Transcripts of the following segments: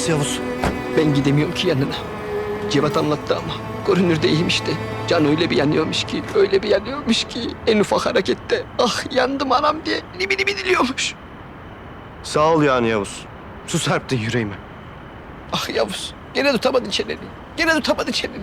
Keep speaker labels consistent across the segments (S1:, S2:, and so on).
S1: Nasıl Yavuz?
S2: Ben gidemiyorum ki yanına. Cevat anlattı ama. Görünürde iyiymiş de. Can öyle bir yanıyormuş ki, öyle bir yanıyormuş ki. En ufak harekette ah yandım anam diye libi libi diliyormuş.
S1: Sağ ol yani Yavuz. Su serptin yüreğime.
S2: Ah Yavuz, gene tutamadın çeneni. Gene tutamadın çeneni.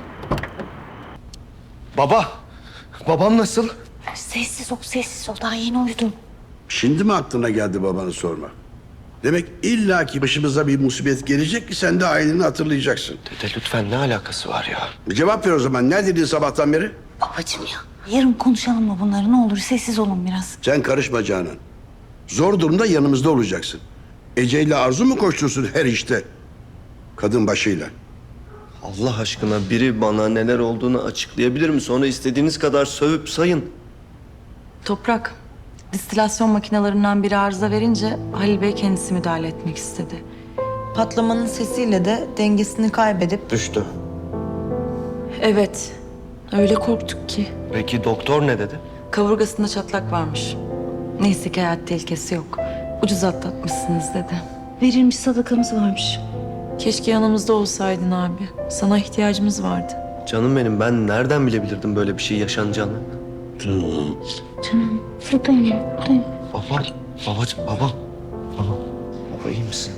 S1: Baba. Babam nasıl?
S3: Sessiz ol, sessiz ol. Daha yeni uyudum.
S4: Şimdi mi aklına geldi babanı sorma? Demek illaki başımıza bir musibet gelecek ki sen de aileni hatırlayacaksın.
S1: Dede lütfen ne alakası var ya?
S4: Cevap ver o zaman. Ne dedin sabahtan beri?
S3: Babacığım ya. Yarın konuşalım mı bunları? Ne olur sessiz olun biraz.
S4: Sen karışma Canan. Zor durumda yanımızda olacaksın. Ece ile Arzu mu koştursun her işte? Kadın başıyla.
S1: Allah aşkına biri bana neler olduğunu açıklayabilir mi? Sonra istediğiniz kadar sövüp sayın.
S5: Toprak, distilasyon makinalarından biri arıza verince Halil Bey kendisi müdahale etmek istedi. Patlamanın sesiyle de dengesini kaybedip...
S1: Düştü.
S5: Evet, öyle korktuk ki.
S1: Peki doktor ne dedi?
S5: Kaburgasında çatlak varmış. Neyse ki hayat tehlikesi yok. Ucuz atlatmışsınız dedi.
S3: Verilmiş sadakamız varmış.
S5: Keşke yanımızda olsaydın abi. Sana ihtiyacımız vardı.
S1: Canım benim, ben nereden bilebilirdim böyle bir şey yaşanacağını?
S3: Canım, buradayım, buradayım.
S1: Baba, babacığım, baba. Baba, baba iyi misin?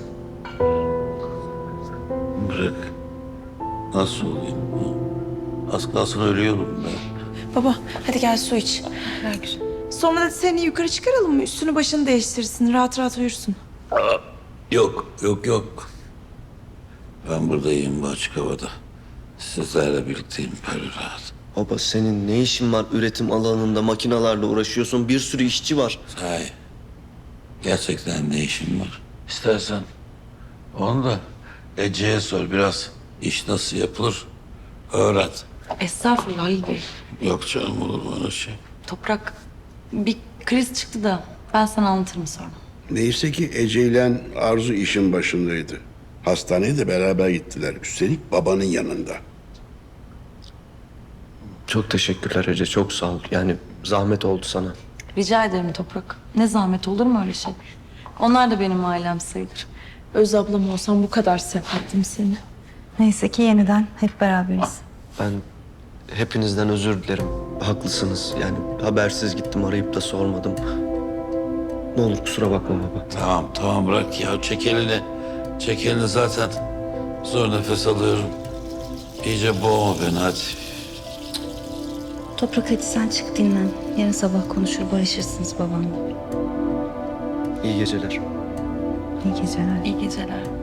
S6: Bırak. Nasıl olayım? Az kalsın ölüyorum ben.
S7: Baba hadi gel su iç. Ver güzel. Sonra da seni yukarı çıkaralım mı? Üstünü başını değiştirsin. Rahat rahat uyursun.
S6: Yok. Ben buradayım bu açık havada. Sizlerle birlikteyim böyle rahat.
S1: Baba senin ne işin var üretim alanında makinalarla uğraşıyorsun? Bir sürü işçi var.
S6: Sahi. Gerçekten ne işin var? İstersen onu da Ece'ye sor biraz. İş nasıl yapılır öğret.
S5: Estağfurullah Halil Bey.
S6: Yok canım olur mu öyle şey?
S5: Toprak, bir kriz çıktı da ben sana anlatırım sonra.
S4: Neyse ki Ece ile Arzu işin başındaydı. Hastaneye de beraber gittiler. Üstelik babanın yanında.
S1: Çok teşekkürler Ece, çok sağ ol. Yani zahmet oldu sana.
S5: Rica ederim Toprak. Ne zahmet olur mu öyle şey? Onlar da benim ailem sayılır.
S7: Öz ablam olsam bu kadar severdim seni.
S3: Neyse ki yeniden hep beraberiz.
S1: Ben hepinizden özür dilerim. Haklısınız. Yani habersiz gittim, arayıp da sormadım. Ne olur kusura bakma baba.
S6: Tamam bırak ya çek elini. Çek elini zaten. Zor nefes alıyorum. İyice boğma beni hadi.
S3: Toprak hadi sen çık dinlen. Yarın sabah konuşur barışırsınız babamla.
S1: İyi geceler.
S3: İyi geceler.
S5: İyi geceler.